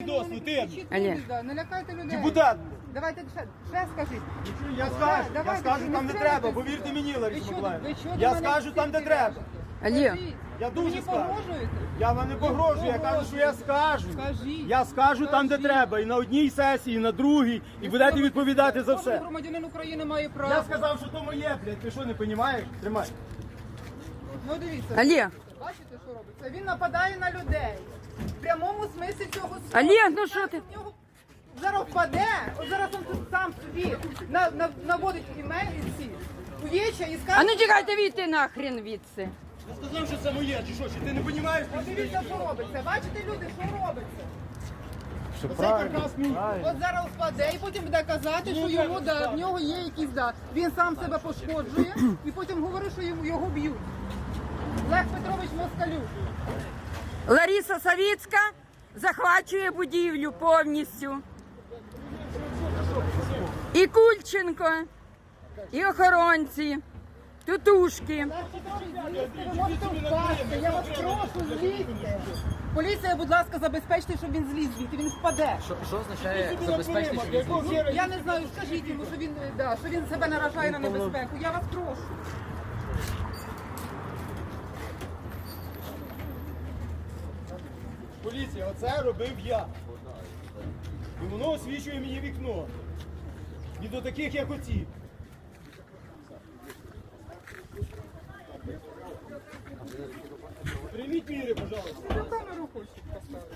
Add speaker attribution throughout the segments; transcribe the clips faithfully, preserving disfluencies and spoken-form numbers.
Speaker 1: свідоцтво, ти.
Speaker 2: Олег. Не лякайте людей.
Speaker 1: Депутат.
Speaker 2: Давайте ще, ще скажіть.
Speaker 1: Я скажу, я
Speaker 2: Давайте,
Speaker 1: скажу
Speaker 2: не
Speaker 1: там, де
Speaker 2: стріляйте.
Speaker 1: треба, повірте мені, Лариса
Speaker 2: Ви чого-
Speaker 1: Миколаївна.
Speaker 2: ви чого до
Speaker 1: Я
Speaker 2: мене
Speaker 1: скажу там, де
Speaker 2: стріляєте?
Speaker 1: треба.
Speaker 2: Скажіть.
Speaker 1: Я
Speaker 2: Ви
Speaker 1: дуже
Speaker 2: мені
Speaker 1: скажу.
Speaker 2: погрожуєте?
Speaker 1: Я вам не погрожую, я кажу, що я скажу.
Speaker 2: Скажіть.
Speaker 1: Я скажу там, де
Speaker 2: Скажіть.
Speaker 1: треба, і на одній сесії, і на другій, і будете відповідати за
Speaker 2: Кожен
Speaker 1: все.
Speaker 2: громадянин України має право.
Speaker 1: Я сказав, що то моє, блядь, ти що, не розумієш? Тримай.
Speaker 2: Ну дивіться.
Speaker 3: Олег,
Speaker 2: Бачите, що робиться? Він нападає на людей. В прямому смислі цього слова.
Speaker 3: Олег, ну що ти?
Speaker 2: В нього Зараз впаде, от зараз він тут сам собі на, на, наводить імені ці увіччя і скаже...
Speaker 3: а ну тікайте війти нахрен відси.
Speaker 1: Я сказав, що це моє, чи що, чи ти не розумієш?
Speaker 2: От дивіться, що робиться. Bачите, люди, що робиться?
Speaker 1: Це каркас мій.
Speaker 2: От зараз впаде і потім буде казати, що йому, да, в нього є якісь, да, він сам себе пошкоджує і потім говорить, що йому, його б'ють. Олег Петрович Москалюк.
Speaker 3: Лариса Савіцька захвачує будівлю повністю. І Кульченко, і охоронці, тутушки.
Speaker 2: Ви можете впасти, я вас прошу, злізьте. Поліція, будь ласка, забезпечте, щоб він зліз звідти, він впаде.
Speaker 4: Що, що означає забезпечити, що він зліз?
Speaker 2: Я не знаю, скажіть йому, що він, да, що він себе наражає на небезпеку. Я вас прошу.
Speaker 1: Поліція, оце робив я. І воно освічує мені вікно. І до таких, як оці. Прийміть міри, пожалуйста.
Speaker 2: На камеру хочуть поставити.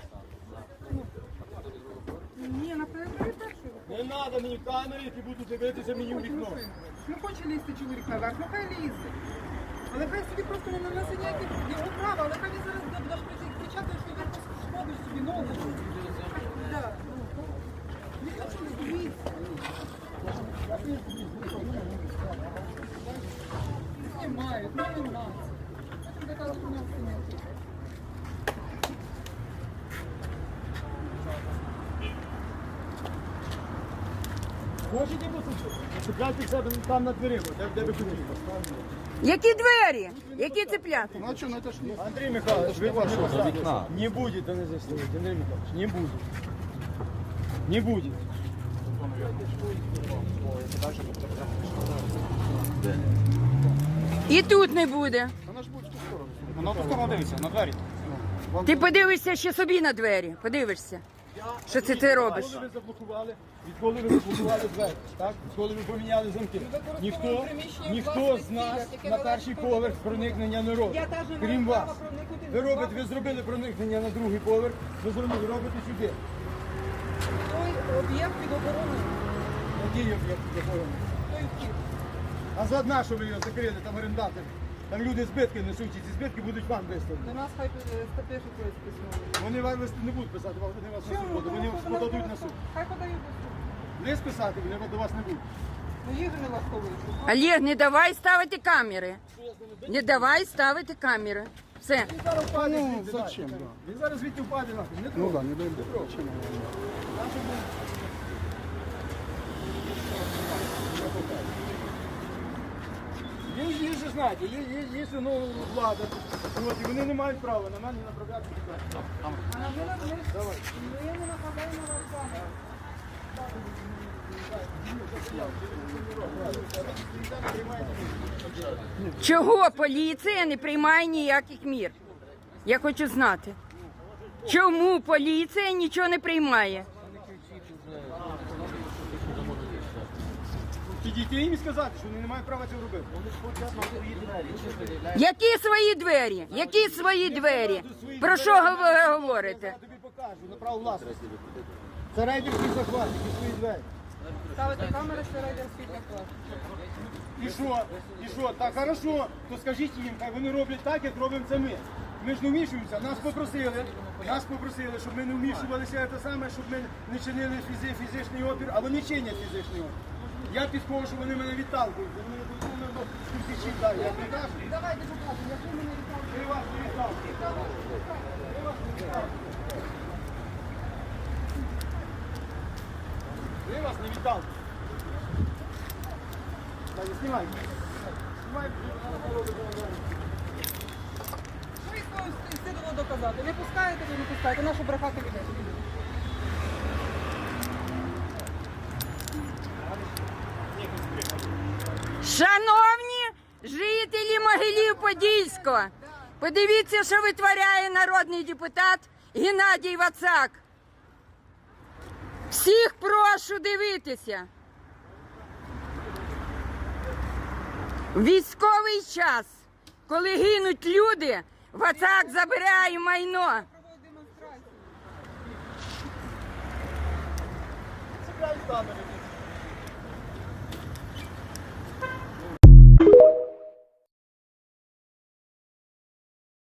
Speaker 2: Ні, на першу.
Speaker 1: Не треба мені камери, які будуть дивитися мені в вікно.
Speaker 2: Ну хоче лізти чоловік наверх, ну хай лізе. Але хай собі просто не нанесе ніяких його права, але хай він зараз буде кричати, що він пошкодив собі ногу. Так, ну, ніхто що не боїться. Знімають, ну не нас. Потім така хуйня встигнути.
Speaker 1: Хочете послухати? Чекайте себе там на дверима, де, де ви курите.
Speaker 3: Які двері? Які цепляти?
Speaker 1: Андрій Михайлович, ви вас що? Не будет, не заснуть, Андрій Михайлович, не будет. Не будет.
Speaker 3: І тут не буде.
Speaker 1: Вона в ту сторону дивиться, на двері.
Speaker 3: Ти подивишся ще собі на двері. Подивишся, що це ти робиш.
Speaker 1: Відколи ви заблокували, відколи ви заблокували двері, так? Відколи ви поміняли замки. Ніхто, ніхто з нас на перший поверх проникнення не робить, крім вас. Ви робите, ви зробили проникнення на другий поверх, ви зробили, робите сюди.
Speaker 2: Той об'єкт під охороною.
Speaker 1: Який об'єкт якого?
Speaker 2: Той вхід.
Speaker 1: А за одна, що ви його закрили, там орендатор. Там люди збитки несуть, і ці збитки будуть вам виставлені.
Speaker 2: До нас хай пишуть якось письмо.
Speaker 1: Вони вам листи не будуть писати, вони вас на суд
Speaker 2: Чому?
Speaker 1: подадуть, вони вас подадуть на суд.
Speaker 2: Хай подають до суду.
Speaker 1: Лист писати, вони до вас не будуть.
Speaker 2: Ну їх же не влаштовують.
Speaker 3: Олег, не давай ставити камери. Не давай ставити камери. Все.
Speaker 1: Він зараз впаде звідти. Зачем? Він зараз звідти впаде нахуй. Не трогай. Ну так, не дай Бог. Є, є же, знаєте, є, є, є ну, влада. От, і вони не мають права на мене направляти сюди.
Speaker 2: А ми не Давай. Ми не нападаємо на вас.
Speaker 3: Чого поліція не приймає ніяких мір? Я хочу знати. Чому поліція нічого не приймає?
Speaker 1: Підійти їм і сказати, що вони не мають права цього робити.
Speaker 3: Які свої двері? Які свої двері? Про що ви говорите?
Speaker 1: Я тобі покажу, на право власності. Це рейдерський захват, і свої двері.
Speaker 2: Ставити камери, це рейдерський захват.
Speaker 1: І що? І що? Так, хорошо, то скажіть їм, хай вони роблять так, як робимо це ми. Ми ж не вмішуємося, нас попросили, нас попросили, щоб ми не вмішувалися те саме, щоб ми не чинили фізи, фізичний опір, а вони чинять фізичний опір. Я підходжу, вони мене відталкують. Вони мене до кричить, так, я прикажу.
Speaker 2: Давайте покажемо, як ви мене відталкуєте.
Speaker 1: Ми вас не відталкуємо. Ми вас не відталкуємо. Ми вас не відталкуємо. Так, знімай. Знімай.
Speaker 2: Що їх стидно доказати? Не пускаєте, ви не пускаєте. Нашу брехати людей.
Speaker 3: Шановні жителі Могилів-Подільського, подивіться, що витворяє народний депутат Геннадій Вацак. Всіх прошу дивитися. В військовий час, коли гинуть люди, Вацак забирає майно.
Speaker 2: Проводить демонстрацію.
Speaker 1: Це камери.